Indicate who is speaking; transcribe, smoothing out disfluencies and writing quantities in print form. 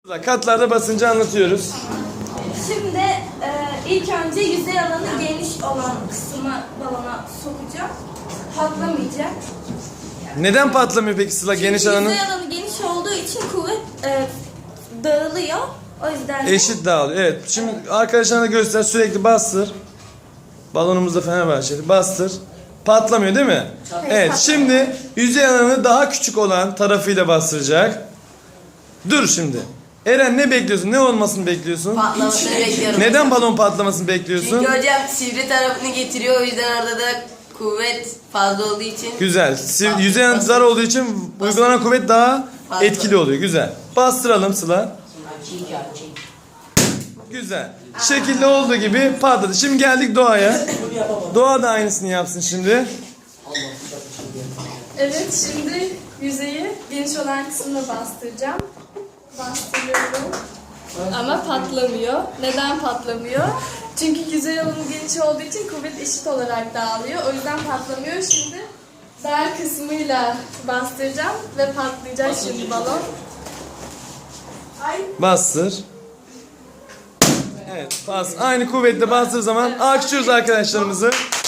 Speaker 1: Katlarda basıncı anlatıyoruz.
Speaker 2: Şimdi ilk önce yüzey alanı geniş olan kısmı balona sokacağım. Patlamayacak.
Speaker 1: Neden patlamıyor peki Sıla geniş
Speaker 2: Çünkü
Speaker 1: alanın?
Speaker 2: yüzey alanı geniş olduğu için kuvvet dağılıyor. O yüzden de
Speaker 1: Eşit dağılıyor. Evet. Şimdi arkadaşlarına göster, sürekli bastır. Balonumuzda Fenerbahçeli. Bastır. Patlamıyor değil mi? Evet. Şimdi yüzey alanı daha küçük olan tarafıyla bastıracak. Dur şimdi. Eren ne bekliyorsun? Ne olmasını bekliyorsun?
Speaker 3: Patlamasını bekliyorum.
Speaker 1: Neden balon patlamasını bekliyorsun?
Speaker 3: Çünkü hocam sivri tarafını getiriyor, o yüzden orada da kuvvet fazla olduğu için.
Speaker 1: Güzel. Yüzey alanı zar olduğu için uygulanan kuvvet daha
Speaker 3: Fazla.
Speaker 1: etkili oluyor. Güzel. Bastıralım Sıla. Güzel. Şekilde olduğu gibi patladı. Şimdi geldik Doğa'ya. Doğa da aynısını yapsın şimdi.
Speaker 4: Evet, şimdi yüzeyi geniş olan kısmına bastıracağım. Bastırıyorum. Ama patlamıyor. Neden patlamıyor? Çünkü yüzey alanı geniş olduğu için kuvvet eşit olarak dağılıyor. O yüzden patlamıyor. Şimdi dar kısmıyla bastıracağım ve patlayacak şimdi balon.
Speaker 1: Bastır. Evet, bas. Aynı kuvvetle bastığı zaman alkışlıyoruz arkadaşlarımızı.